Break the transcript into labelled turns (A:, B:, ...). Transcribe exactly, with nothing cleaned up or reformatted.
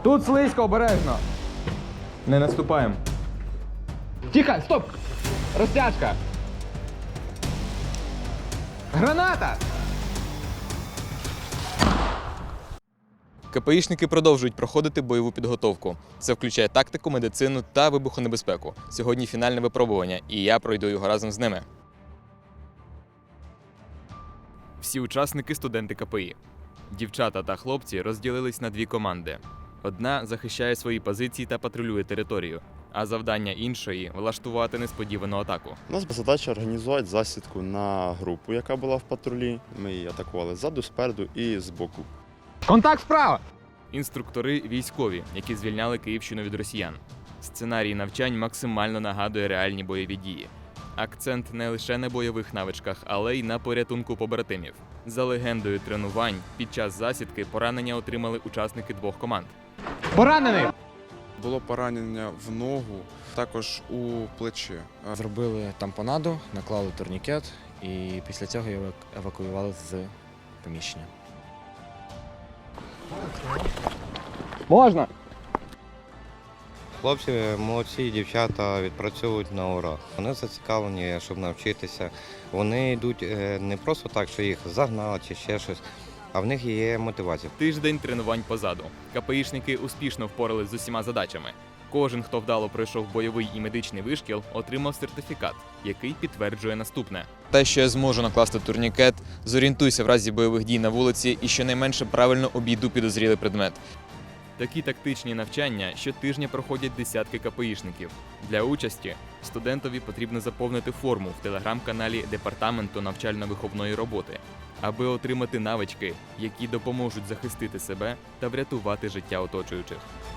A: Тут слизько, обережно. Не наступаємо. Тихо, стоп! Розтяжка. Граната! КПІшники продовжують проходити бойову підготовку. Це включає тактику, медицину та вибухонебезпеку. Сьогодні фінальне випробування, і я пройду його разом з ними. Всі учасники – студенти КПІ. Дівчата та хлопці розділились на дві команди. Одна захищає свої позиції та патрулює територію, а завдання іншої – влаштувати несподівану атаку.
B: У нас була задача організувати засідку на групу, яка була в патрулі. Ми її атакували ззаду, спереду і збоку.
A: Контакт справа! Інструктори військові, які звільняли Київщину від росіян. Сценарій навчань максимально нагадує реальні бойові дії. Акцент не лише на бойових навичках, але й на порятунку побратимів. За легендою тренувань, під час засідки поранення отримали учасники двох команд. Поранений!
C: Було поранення в ногу, також у плече.
D: Зробили тампонаду, наклали турнікет і після цього його евакуювали з приміщення.
A: Можна!
E: Хлопці молодці, дівчата відпрацьовують на ура. Вони зацікавлені, щоб навчитися. Вони йдуть не просто так, що їх загнали чи ще щось, а в них є мотивація.
A: Тиждень тренувань позаду. КПІшники успішно впорались з усіма задачами. Кожен, хто вдало пройшов бойовий і медичний вишкіл, отримав сертифікат, який підтверджує наступне. Те, що я зможу накласти турнікет, зорієнтуйся в разі бойових дій на вулиці і щонайменше правильно обійду підозрілий предмет. Такі тактичні навчання щотижня проходять десятки КПІшників. Для участі студентові потрібно заповнити форму в телеграм-каналі Департаменту навчально-виховної роботи, аби отримати навички, які допоможуть захистити себе та врятувати життя оточуючих.